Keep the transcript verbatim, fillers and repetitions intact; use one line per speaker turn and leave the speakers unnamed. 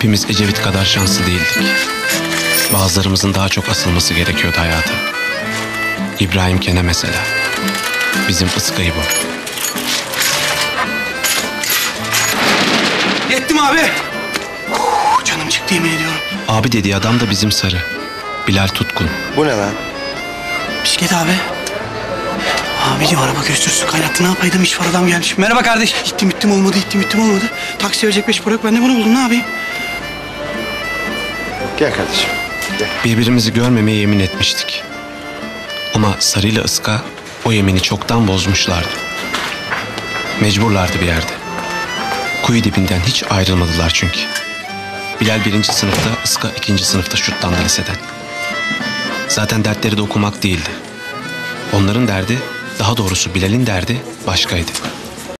Hepimiz Ecevit kadar şanslı değildik. Bazılarımızın daha çok asılması gerekiyordu hayata. İbrahim Kene mesela. Bizim Iska'yı bu.
Yettim abi. Uf, canım çıktı yemin ediyorum.
Abi dediği adam da bizim Sarı. Bilal Tutkun.
Bu ne lan?
Bisiklet abi. Abi diyor araba gösterisi kaynattı. Ne yapaydım? İş var adam gelmiş. Merhaba kardeş. Gittim gittim olmadı. Gittim gittim olmadı. Taksi verecek beş para yok. Ben de bunu buldum. Ne yapayım?
Gel kardeşim. Gel.
Birbirimizi görmemeye yemin etmiştik. Ama Sarı ile Iska o yemini çoktan bozmuşlardı. Mecburlardı bir yerde. Kuyu dibinden hiç ayrılmadılar çünkü. Bilal birinci sınıfta, Iska ikinci sınıfta şutlandı liseden. Zaten dertleri de okumak değildi. Onların derdi, daha doğrusu Bilal'in derdi başkaydı.